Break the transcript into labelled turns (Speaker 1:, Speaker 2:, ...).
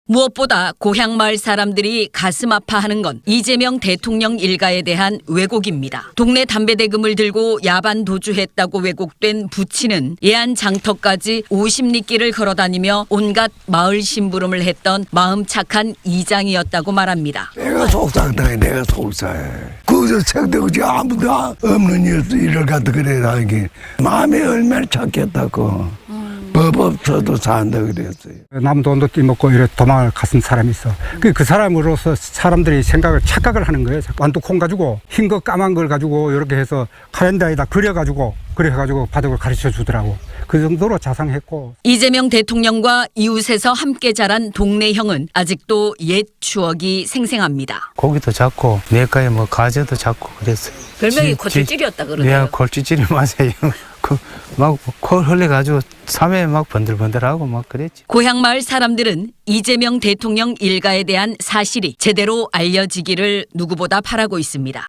Speaker 1: 무엇보다 고향 마을 사람들이 가슴 아파하는 건 이재명 대통령 일가에 대한 왜곡입니다. 동네 담배 대금을 들고 야반 도주했다고 왜곡된 부친은 예안 장터까지 50리길을 걸어다니며 온갖 마을 심부름을 했던 마음 착한 이장이었다고 말합니다.
Speaker 2: 내가 속상해, 내가 속상해. 거기서 생각지 아무도 없는 일을 갖다 그래라 이게 마음이 얼마나 착했다고. 법 없어도 산다 그랬어요.
Speaker 3: 남 돈도 띠먹고 이래 도망을 갔은 사람이 있어. 그 사람으로서 사람들이 착각을 하는 거예요. 완두콩 가지고 흰 거 까만 걸 가지고 이렇게 해서 카렌다에다 그려가지고 그래가지고 바둑을 가르쳐 주더라고. 그 정도로 자상했고.
Speaker 1: 이재명 대통령과 이웃에서 함께 자란 동네 형은 아직도 옛 추억이 생생합니다.
Speaker 4: 고기도 잡고 내과에 뭐 가재도 잡고 그랬어요.
Speaker 1: 별명이 골찌질이었다 그러네요.
Speaker 4: 네, 골찌질이 맞아요. 막 코 흘려가지고 삶에 막 번들번들하고 막 그랬지.
Speaker 1: 고향 마을 사람들은 이재명 대통령 일가에 대한 사실이 제대로 알려지기를 누구보다 바라고 있습니다.